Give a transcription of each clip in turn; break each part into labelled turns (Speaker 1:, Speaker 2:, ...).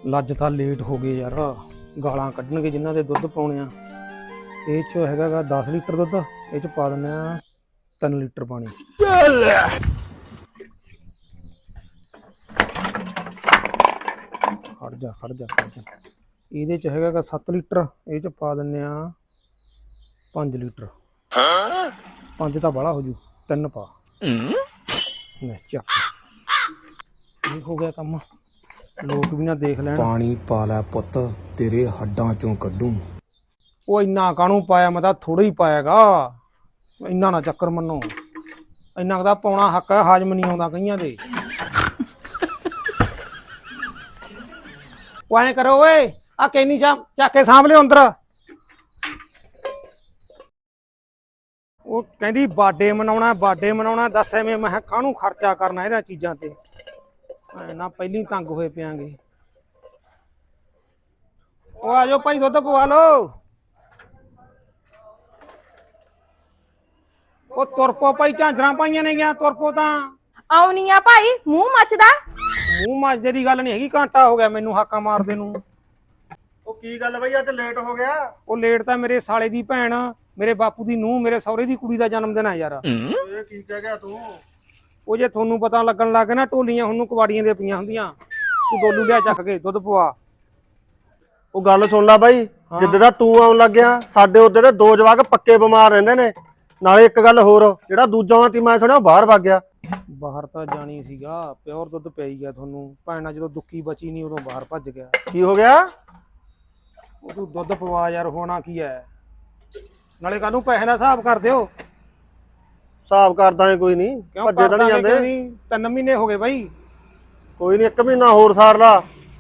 Speaker 1: ਲੱਜ ਤਾਂ ਲੇਟ ਹੋ ਗਏ ਯਾਰ। ਗਾਲਾਂ ਕੱਢਣਗੇ ਜਿਨ੍ਹਾਂ ਦੇ ਦੁੱਧ ਪਾਉਣੇ ਆ। ਇਹ 'ਚ ਹੈਗਾ ਗਾ 10 ਲੀਟਰ ਦੁੱਧ, ਇਹ 'ਚ ਪਾ ਦਿੰਦੇ ਆ 3 ਲੀਟਰ ਪਾਣੀ। ਖੜ ਜਾ ਇਹਦੇ 'ਚ ਹੈਗਾ ਗਾ 7 ਲੀਟਰ, ਇਹ 'ਚ ਪਾ ਦਿੰਦੇ ਆ 5 ਲੀਟਰ। 5 ਤਾਂ ਬਾਹਲਾ ਹੋ ਜੂ, 3 ਪਾ। ਲੈ ਚੱਕ, ਇਹ ਹੋ ਗਿਆ ਕੰਮ। ਲੋਕ ਵੀ ਨਾ ਦੇਖ ਲੈਣ। ਪਾਣੀ ਪਾ ਲੈ ਪੁੱਤ, ਤੇਰੇ ਹੱਡਾਂ ਚੋਂ ਕੱਢੂ। ਉਹ ਇੰਨਾ ਕਾਹਨੂੰ ਪਾਇਆ, ਮੈਂ ਤਾਂ ਥੋੜਾ ਹੀ ਪਾਇਆਗਾ। ਇੰਨਾ ਨਾ ਚੱਕਰ ਮੰਨੋ, ਇੰਨਾ ਕੁ ਪਾਉਣਾ ਹੱਕ ਹੈ, ਹਾਜ਼ਮ ਨਹੀਂ ਆਉਂਦਾ ਕਈਆਂ ਦੇ। ਉਹ ਐਂ ਕਰੋ ਓਏ, ਆ ਕੈਨੀ ਚੱਕ ਕੇ ਸਾਂਭ ਲਿਓ ਅੰਦਰ। ਉਹ ਕਹਿੰਦੀ ਬਰਥਡੇ ਮਨਾਉਣਾ ਦੱਸ ਐਵੇਂ ਮੈਂ ਕਾਹਨੂੰ ਖਰਚਾ ਕਰਨਾ ਇਹਨਾਂ ਚੀਜ਼ਾਂ ਤੇ। ਨਾ ਪਹਿਲੀ ਤੰਗ ਹੋਏ ਪਿਆਂਗੇ। ਉਹ ਆ ਜਾਓ ਭਾਈ, ਦੁੱਧ ਪਵਾ ਲਓ। ਉਹ ਤੁਰਪੋ ਭਾਈ, ਝਾਂਜਰਾਂ ਪਾਈਆਂ ਨੇ ਗਿਆ, ਤੁਰਪੋ ਤਾਂ
Speaker 2: ਆਉਣੀ ਆ ਭਾਈ। ਮੂੰਹ ਮੱਚਦਾ?
Speaker 1: ਮੂੰਹ ਮੱਚਦੇ ਦੀ ਗੱਲ ਨਹੀਂ ਹੈਗੀ, ਘੰਟਾ ਹੋ ਗਿਆ ਮੈਨੂੰ ਹਾਕਾਂ ਮਾਰਦੇ ਨੂੰ।
Speaker 3: ਉਹ ਕੀ ਗੱਲ ਬਈ, ਅੱਜ ਲੇਟ ਹੋ ਗਿਆ?
Speaker 1: ਉਹ ਲੇਟ ਤਾਂ ਮੇਰੇ ਸਾਲੇ ਦੀ ਭੈਣ, ਮੇਰੇ ਬਾਪੂ ਦੀ ਨੂੰਹ, ਮੇਰੇ ਸਹੁਰੇ ਦੀ ਕੁੜੀ ਦਾ ਜਨਮ ਦਿਨ ਆ ਯਾਰ।
Speaker 3: ਇਹ ਕੀ ਕਹਿ ਗਿਆ ਤੂੰ?
Speaker 1: ਉਹ ਜੇ ਤੁਹਾਨੂੰ ਪਤਾ ਲੱਗਣ ਲੱਗ ਨਾ, ਢੋਲੀਆਂ ਹੁਣ ਨੂੰ ਕਵਾੜੀਆਂ ਦੇ ਪਈਆਂ ਹੁੰਦੀਆਂ। ਤੂੰ ਡੋਲੂ ਲਿਆ ਚੱਕ ਕੇ, ਦੁੱਧ ਪਵਾ।
Speaker 3: ਉਹ ਗੱਲ ਸੁਣ ਲੈ ਬਾਈ, ਜਿੱਦਾਂ ਦਾ ਤੂੰ ਆਉਣ ਲੱਗਿਆ, ਸਾਡੇ ਉਹਦੇ ਦੇ 2 ਜਵਾਕ ਪੱਕੇ ਬਿਮਾਰ ਰਹਿੰਦੇ ਨੇ। ਨਾਲੇ ਇੱਕ ਗੱਲ ਹੋਰ, ਜਿਹੜਾ ਦੂਜਾ ਤੀ ਮੈਂ ਸੁਣਿਆ ਬਾਹਰ ਵਗ ਗਿਆ।
Speaker 1: ਬਾਹਰ ਤਾਂ ਜਾਣੀ ਸੀਗਾ, ਪਿਓਰ ਦੁੱਧ ਪੈ ਗਿਆ ਤੁਹਾਨੂੰ। ਭੈਣਾ ਜਦੋਂ ਦੁੱਕੀ ਬਚੀ ਨਹੀਂ, ਉਦੋਂ ਬਾਹਰ ਭੱਜ ਗਿਆ।
Speaker 3: ਕੀ ਹੋ ਗਿਆ?
Speaker 1: ਉਹ ਤੂੰ ਦੁੱਧ ਪਵਾ ਯਾਰ, ਹੋਣਾ ਕੀ ਹੈ। ਨਾਲੇ ਕੱਲ ਨੂੰ ਪੈਸੇ ਦਾ ਹਿਸਾਬ ਕਰ ਦਿਓ।
Speaker 3: ਹਿਸਾਬ ਕਰਦਾ ਹੈ, ਕੋਈ ਨਹੀਂ, ਭੱਜੇ ਤਾਂ ਨਹੀਂ ਜਾਂਦੇ।
Speaker 1: 3 ਮਹੀਨੇ ਹੋ ਗਏ ਬਾਈ।
Speaker 3: ਕੋਈ ਨਹੀਂ, 1 ਮਹੀਨਾ ਹੋਰ ਸਾਰ ਲਾ।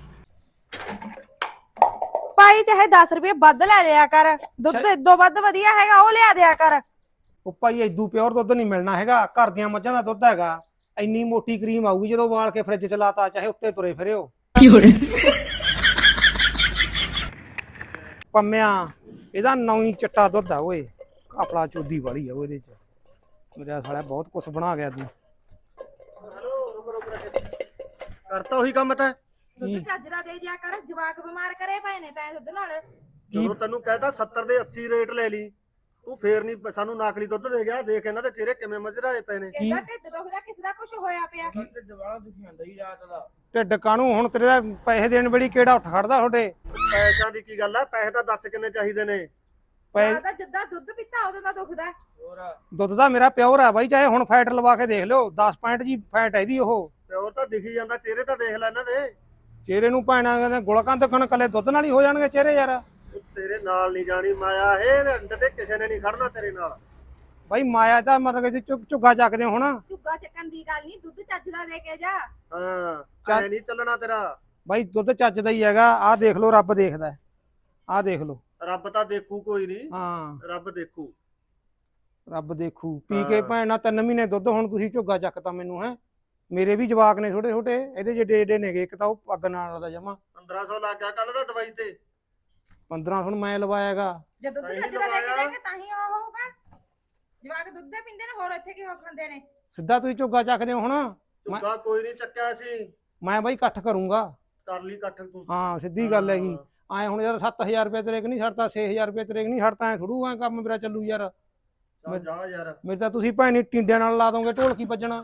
Speaker 2: ਭਾਈ ਚਾਹੇ 10 ਰੁਪਏ ਵੱਧ ਲੈ ਲਿਆ ਕਰ, ਦੁੱਧ ਇਦੋਂ ਵੱਧ ਵਧੀਆ ਹੈਗਾ ਉਹ ਲਿਆ ਦਿਆ ਕਰ।
Speaker 1: ਉਹ ਭਾਈ ਏਦੂ ਪਿਓਰ ਦੁੱਧ ਨਹੀਂ ਮਿਲਣਾ ਹੈਗਾ, ਘਰ ਦੀਆਂ ਮੱਝਾਂ ਦਾ ਦੁੱਧ ਹੈਗਾ। ਇੰਨੀ ਮੋਟੀ ਕਰੀਮ ਆਊਗੀ ਜਦੋਂ ਉਬਾਲ ਕੇ ਫ੍ਰਿਜ ਚ ਲਾਤਾ, ਚਾਹੇ ਉੱਤੇ ਤੁਰੇ ਫਿਰਿਓ। ਪੰਮਿਆ ਇਹਦਾ ਨੌਂ ਚਿੱਟਾ ਦੁੱਧ ਆ ਓਏ, ਆਪਣਾ ਚੋਦੀ ਵਾਲੀ ਆ ਉਹਦੇ ਚ। ਮੇਰਾ ਸਾਲਾ ਬਹੁਤ ਕੁਛ ਬਣਾ ਗਿਆ ਤੂੰ।
Speaker 3: ਕਰਤਾ ਉਹੀ ਕੰਮ ਤਾਂ।
Speaker 2: ਦੁੱਧ ਚੱਜਰਾ ਦੇ ਜਿਆ ਕਰ, ਜਵਾਕ ਬਿਮਾਰ ਕਰੇ ਪਏ ਨੇ ਤੈਂ ਦੁੱਧ ਨਾਲ।
Speaker 3: ਜਦੋਂ ਤੈਨੂੰ ਕਹਿਤਾ 70 ਦੇ 80 ਰੇਟ ਲੈ ਲਈ, ਤੂੰ ਫੇਰ ਨਹੀਂ ਸਾਨੂੰ ਨਕਲੀ ਦੁੱਧ ਦੇ ਗਿਆ। ਦੇਖ ਇਹਨਾਂ ਦੇ ਚਿਹਰੇ ਕਿਵੇਂ ਮਜਰਾਏ ਪਏ ਨੇ।
Speaker 2: ਕਿਹਦਾ ਢਿੱਡ ਦੁਖਦਾ, ਕਿਸੇ ਦਾ ਕੁਝ ਹੋਇਆ ਪਿਆ।
Speaker 4: ਢਿੱਡ ਵਾਲਾ ਦੁਖੀ ਜਾਂਦਾ ਹੀ ਰਾਤ ਦਾ।
Speaker 1: ਢਿੱਡ ਕਾਹਨੂੰ, ਹੁਣ ਤੇਰੇ ਦਾ ਪੈਸੇ ਦੇਣ ਵੇਲੇ ਕਿਹੜਾ ਉੱਠ ਖੜਦਾ ਤੁਹਾਡੇ।
Speaker 3: ਪੈਸਿਆਂ ਦੀ ਕੀ ਗੱਲ ਆ? ਪੈਸੇ ਤਾਂ ਦੱਸ ਕਿੰਨੇ ਚਾਹੀਦੇ ਨੇ?
Speaker 2: ਤਾਂ ਜਿੱਦਾਂ ਦੁੱਧ ਪੀਤਾ ਉਦੋਂ ਦਾ ਦੁਖਦਾ।
Speaker 4: ਹੋਰ
Speaker 1: ਦੁੱਧ ਦਾ ਮੇਰਾ ਪਿਓਰ ਆ ਬਾਈ, ਚਾਹੇ ਹੁਣ ਫੈਟ ਲਵਾ ਕੇ ਦੇਖ ਲਿਓ। 10 ਪੁਆਇੰਟ ਜੀ ਫੈਟ ਹੈ ਇਹਦੀ। ਉਹ
Speaker 3: ਪਿਓਰ ਤਾਂ ਦਿਖੀ ਜਾਂਦਾ, ਚਿਹਰੇ ਤਾਂ ਦੇਖ ਲੈ ਇਹਨਾਂ ਦੇ।
Speaker 1: ਚਿਹਰੇ ਨੂੰ ਭੈਣਾ ਕਹਿੰਦੇ ਗੁਲਕਾਂ ਦੇਖਣ, ਕੱਲੇ ਦੁੱਧ ਨਾਲ ਹੀ ਹੋ ਜਾਣਗੇ ਚਿਹਰੇ ਯਾਰ।
Speaker 3: ਤੇਰੇ ਨਾਲ ਨਹੀਂ ਜਾਣੀ ਮਾਇਆ, ਇਹ ਅੰਡੇ ਤੇ ਕਿਸੇ ਨੇ ਨਹੀਂ ਖੜਨਾ ਤੇਰੇ ਨਾਲ।
Speaker 1: ਬਾਈ ਮਾਇਆ ਦਾ ਮਤਲਬ ਕਿ ਝੁੱਗਾ ਚੱਕਦੇ ਹੁਣ।
Speaker 2: ਝੁੱਗਾ ਚੱਕਣ ਦੀ ਗੱਲ ਨਹੀਂ, ਦੁੱਧ ਚੱਜ ਦਾ ਦੇ ਕੇ ਜਾ।
Speaker 3: ਹਾਂ, ਐ ਨਹੀਂ ਚੱਲਣਾ ਤੇਰਾ।
Speaker 1: ਬਾਈ ਦੁੱਧ ਚੱਜ ਦਾ ਹੀ ਹੈਗਾ। ਆਹ ਦੇਖ ਲਓ, ਰੱਬ ਦੇਖਦਾ। ਆਹ ਦੇਖ ਲਓ।
Speaker 3: ਰੱਬ ਤਾਂ ਦੇਖੂ, ਕੋਈ ਨਹੀਂ।
Speaker 1: ਹਾਂ,
Speaker 3: ਰੱਬ ਦੇਖੂ।
Speaker 1: ਰੱਬ ਦੇਖੂ। ਪੀ ਕੇ ਭੈਣਾ 3 ਮਹੀਨੇ ਦੁੱਧ, ਹੁਣ ਤੁਸੀਂ ਝੁੱਗਾ ਚੱਕਤਾ ਮੈਨੂੰ। ਹੈ ਮੇਰੇ ਵੀ ਜਵਾਕ ਨੇ ਛੋਟੇ ਛੋਟੇ, ਇਹਦੇ ਜਿਹੜੇ ਏਡੇ ਨੇਗੇ। ਇੱਕ ਤਾਂ ਉਹ ਪੱਗ ਨਾਲ ਦਾ ਜਮਾ
Speaker 3: 1500 ਲੱਗ ਗਿਆ ਕੱਲ ਦਾ ਦਵਾਈ ਤੇ।
Speaker 1: 15 ਹੁਣ ਮੈਂ ਲਵਾਇਆਗਾ।
Speaker 2: ਜੇ ਦੁੱਧ ਚੱਜ ਦਾ ਦੇ ਕੇ ਜਾਏਗਾ ਤਾਂ ਹੀ ਉਹ ਹੋਊਗਾ। ਜਵਾਕ ਦੁੱਧ ਦੇ ਪੀਂਦੇ ਨੇ, ਹੋਰ ਇੱਥੇ ਕੀ ਹੋ ਖਾਂਦੇ ਨੇ।
Speaker 1: ਸਿੱਧਾ ਤੁਸੀਂ ਝੁੱਗਾ ਚੱਕਦੇ ਹੋ ਹੁਣ।
Speaker 3: ਝੁੱਗਾ ਕੋਈ ਨਹੀਂ ਚੱਕਿਆ ਸੀ।
Speaker 1: ਮੈਂ ਬਾਈ ਇਕੱਠ ਕਰੂੰਗਾ।
Speaker 3: ਕਰ ਲਈ ਇਕੱਠ ਤੂੰ।
Speaker 1: ਹਾਂ, ਸਿੱਧੀ ਗੱਲ ਹੈਗੀ। ਐ ਹੁਣ ਯਾਰ 7000 ਰੁਪਏ ਤੇਰੇ ਕਿ ਨਹੀਂ ਛੱਡਤਾ, 6000 ਰੁਪਏ ਤੇਰੇ ਕਿ ਨਹੀਂ ਛੱਡਤਾ। ਐ ਥੋੜੂ ਐ ਕੰਮ ਮੇਰਾ ਚੱਲੂ ਯਾਰ।
Speaker 3: ਚੱਲ ਜਾ ਯਾਰ।
Speaker 1: ਮੇਰੇ ਤਾਂ ਤੁਸੀਂ ਭੈਣੀ ਟਿੰਡਿਆਂ ਨਾਲ ਲਾ ਦੋਗੇ, ਢੋਲਕੀ ਵੱਜਣਾ।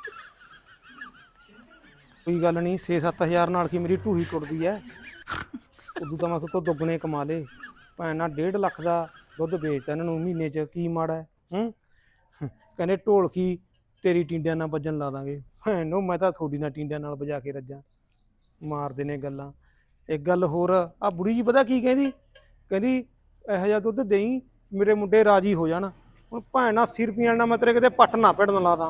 Speaker 1: ਕੋਈ ਗੱਲ ਨਹੀਂ, 6-7 ਨਾਲ ਕੀ ਮੇਰੀ ਢੂਹੀ ਟੁੱਟਦੀ ਐ। ਉਦੋਂ ਤਾਂ ਮੈਂ ਤੋਂ ਦੁੱਗਣੇ ਕਮਾ ਲੇ। ਭੈਣ ਨਾਲ 1.5 ਲੱਖ ਦਾ ਦੁੱਧ ਵੇਚਤਾ ਇਹਨਾਂ ਨੂੰ ਮਹੀਨੇ 'ਚ, ਕੀ ਮਾੜਾ ਹੈ। ਕਹਿੰਦੇ ਢੋਲਕੀ ਤੇਰੀ ਟਿੰਡਿਆਂ ਨਾਲ ਵੱਜਣ ਲਾ ਦਾਂਗੇ। ਭੈਣ ਨੂੰ ਮੈਂ ਤਾਂ ਤੁਹਾਡੀ ਨਾਲ ਟਿੰਡਿਆਂ ਨਾਲ ਵਜਾ ਕੇ ਰੱਜਾਂ। ਮਾਰਦੇ ਨੇ ਗੱਲਾਂ। ਇੱਕ ਗੱਲ ਹੋਰ, ਆ ਬੁੜੀ ਜੀ ਪਤਾ ਕੀ ਕਹਿੰਦੀ? ਕਹਿੰਦੀ ਇਹੋ ਜਿਹਾ ਦੁੱਧ ਦੇਈ ਮੇਰੇ ਮੁੰਡੇ ਰਾਜੀ ਹੋ ਜਾਣ। ਹੁਣ ਭੈਣ 80 ਰੁਪਈਆਂ ਨਾਲ ਮੈਂ ਤੇਰੇ ਕਿਤੇ ਪੱਟ ਨਾ ਭਿੜਨ ਲਾ ਦਾਂ।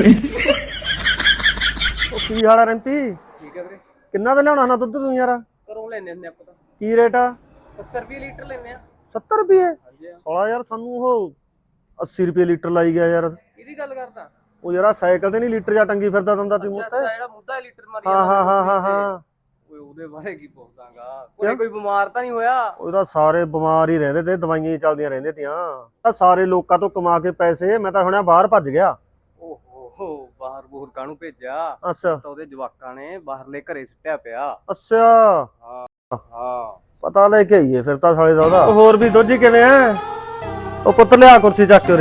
Speaker 3: ਉਹ ਕੀ ਹਾਲ ਆ ਰਿੰਪੀ?
Speaker 4: ਠੀਕ ਹੈ ਵੀਰੇ।
Speaker 3: ਕਿੰਨਾ ਦਾ ਲਿਆਉਣਾ ਨਾ ਦੁੱਧ ਤੂੰ ਯਾਰ?
Speaker 4: ਘਰੋਂ ਲੈਣੇ ਹੁੰਦੇ ਆਪਾਂ ਤਾਂ।
Speaker 3: ਕੀ ਰੇਟ ਆ?
Speaker 4: 70 ਰੁਪਏ ਲੀਟਰ ਲੈਣੇ ਆ।
Speaker 3: 70 ਰੁਪਏ?
Speaker 4: ਹਾਂਜੀ।
Speaker 3: ਸਾਲਾ ਯਾਰ ਸਾਨੂੰ ਉਹ 80 ਰੁਪਏ ਲੀਟਰ ਲਾਈ ਗਿਆ ਯਾਰ।
Speaker 4: ਕਿਹਦੀ ਗੱਲ ਕਰਦਾ?
Speaker 3: ਉਹ ਯਾਰ ਸਾਈਕਲ ਤੇ ਨਹੀਂ ਲੀਟਰ ਜਾਂ ਟੰਗੀ ਫਿਰਦਾ ਦੰਦਾ ਤੀ ਮੁੱਤੇ।
Speaker 4: ਅੱਛਾ, ਜਿਹੜਾ ਮੁੱਦਾ ਲੀਟਰ ਮਾਰੀ
Speaker 3: ਹਾਂ।
Speaker 4: ਓਏ ਉਹਦੇ ਬਾਰੇ ਕੀ ਪੁੱਛਦਾਗਾ? ਕੋਈ ਬਿਮਾਰ ਤਾਂ ਨਹੀਂ ਹੋਇਆ?
Speaker 3: ਉਹਦਾ ਸਾਰੇ ਬਿਮਾਰ ਹੀ ਰਹਿੰਦੇ ਤੇ, ਦਵਾਈਆਂ ਹੀ ਚੱਲਦੀਆਂ ਰਹਿੰਦੀਆਂ ਤੀਆਂ। ਤਾਂ ਸਾਰੇ ਲੋਕਾਂ ਤੋਂ ਕਮਾ ਕੇ ਪੈਸੇ, ਮੈਂ ਤਾਂ ਸੁਣਿਆ ਬਾਹਰ ਭੱਜ ਗਿਆ।
Speaker 4: ਓਹੋ, ਓਹੋ ਬਾਹਰ ਬੂਹਰ ਕਾਹਨੂੰ ਭੇਜਿਆ
Speaker 3: ਅੱਛਾ
Speaker 4: ਤਾਂ ਉਹਦੇ ਜਵਾਕਾਂ ਨੇ ਬਾਹਰਲੇ ਘਰੇ ਸੁੱਟਿਆ ਪਿਆ।
Speaker 3: ਅੱਛਾ
Speaker 4: ਹਾਂ
Speaker 3: ਪਤਾ ਲੈ ਕੇ ਆਈਏ ਫਿਰ ਤਾਂ ਸਾਲੇ ਦਾ ਉਹਦਾ। ਉਹ ਹੋਰ ਵੀ ਦੋਜੀ ਕਿਵੇਂ ਐ? ਉਹ ਪੁੱਤ ਲਿਆ ਕੁਰਸੀ ਚੱਕ ਕੇ ਉਰੇ।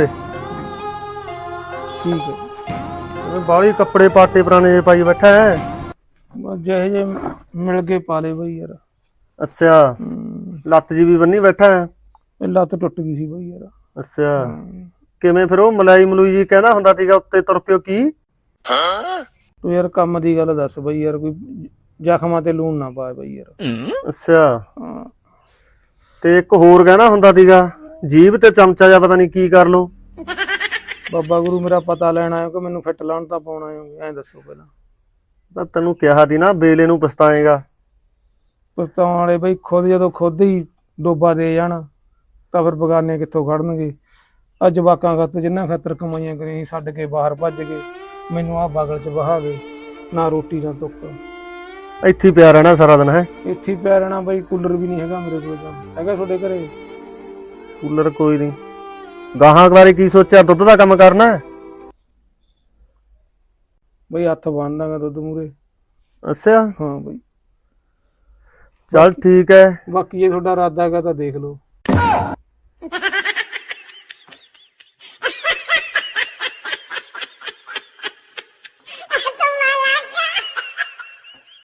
Speaker 1: ਠੀਕ ਹੈ
Speaker 3: ਬਾਹਲੀ ਕੱਪੜੇ ਪਾਟੇ ਪੁਰਾਣੇ ਜਿਹੇ ਪਾਈ ਬੈਠਾ ਹੈ।
Speaker 1: ਬਸ ਜਿਹੇ ਜੇ ਮਿਲ ਕੇ ਪਾ ਲੇ ਬਈ ਯਾਰ।
Speaker 3: ਅੱਛਾ ਲੱਤ ਜੀ ਵੀ ਬੰਨੀ ਬੈਠਾ ਹੈ।
Speaker 1: ਇਹ ਲੱਤ ਟੁੱਟ ਗਈ ਸੀ ਬਈ ਯਾਰ।
Speaker 3: ਅੱਛਾ ਕਿਵੇਂ ਫਿਰ ਉਹ ਮਲਾਈ ਮਲੂਈ ਜੀ ਕਹਿੰਦਾ ਹੁੰਦਾ ਸੀਗਾ ਉੱਤੇ ਤੁਰ ਪਿਓ ਕੀ?
Speaker 1: ਤੂੰ ਯਾਰ ਕੰਮ ਦੀ ਗੱਲ ਦੱਸ ਬਈ ਯਾਰ, ਕੋਈ ਜ਼ਖਮਾਂ ਤੇ ਲੂਣ ਨਾ ਪਾ ਬਈ ਯਾਰ।
Speaker 3: ਅੱਛਾ
Speaker 1: ਹਾਂ
Speaker 3: ਤੇ ਇੱਕ ਹੋਰ ਕਹਿਣਾ ਹੁੰਦਾ ਸੀਗਾ ਜੀਭ ਤੇ ਚਮਚਾ ਜਾਂ ਪਤਾ ਨਹੀਂ ਕੀ ਕਰ ਲੋ।
Speaker 1: ਬਾਬਾ ਗੁਰੂ ਮੇਰਾ ਪਤਾ ਲੈਣ ਆਇਓ ਕਿ ਮੈਨੂੰ ਫਿੱਟ ਲਾਉਣ ਤਾਂ ਪਾਉਣਾ ਆਇਓ, ਐਂ ਦੱਸੋ ਪਹਿਲਾਂ।
Speaker 3: ਤਾਂ ਤੈਨੂੰ ਕਿਹਾ ਸੀ ਨਾ ਬੇਲੇ ਨੂੰ ਪਛਤਾਏਗਾ।
Speaker 1: ਪਛਤਾਉਣ ਵਾਲੇ ਬਈ ਜਦੋਂ ਖੁਦ ਹੀ ਡੋਬਾ ਦੇ ਜਾਣ ਤਾਂ ਫਿਰ ਬਗਾਨੇ ਕਿੱਥੋਂ ਖੜਨਗੇ। ਅੱਜ ਜਵਾਕਾਂ ਖਾਤਰ ਜਿੰਨਾ ਖਾਤਰ ਕਮਾਈਆਂ ਕਰੀਆਂ ਛੱਡ ਕੇ ਬਾਹਰ ਭੱਜ ਗਏ, ਮੈਨੂੰ ਆਹ ਬਗਲ 'ਚ ਵਹਾ ਗਏ, ਨਾ ਰੋਟੀ ਨਾ ਤੁੱਕ।
Speaker 3: ਇੱਥੇ ਹੀ ਪਿਆ ਰਹਿਣਾ ਸਾਰਾ ਦਿਨ ਹੈ।
Speaker 1: ਇੱਥੇ ਹੀ ਪਿਆ ਰਹਿਣਾ ਬਈ, ਕੂਲਰ ਵੀ ਨਹੀਂ ਹੈਗਾ ਮੇਰੇ ਕੋਲ ਤਾਂ। ਹੈਗਾ ਤੁਹਾਡੇ ਘਰੇ?
Speaker 3: ਕੂਲਰ ਕੋਈ ਨਹੀਂ। ਗਾਹਾਂ ਬਾਰੇ ਕੀ ਸੋਚਿਆ, ਦੁੱਧ ਦਾ ਕੰਮ ਕਰਨਾ?
Speaker 1: ਬਈ ਹੱਥ ਬੰਨ ਦਾਂਗਾ ਦੁੱਧ ਮੂਰੇ।
Speaker 3: ਅੱਛਾ
Speaker 1: ਹਾਂ ਬਈ
Speaker 3: ਚੱਲ ਠੀਕ ਹੈ।
Speaker 1: ਬਾਕੀ ਜੇ ਤੁਹਾਡਾ ਇਰਾਦਾ ਹੈਗਾ ਤਾਂ ਦੇਖ ਲਓ।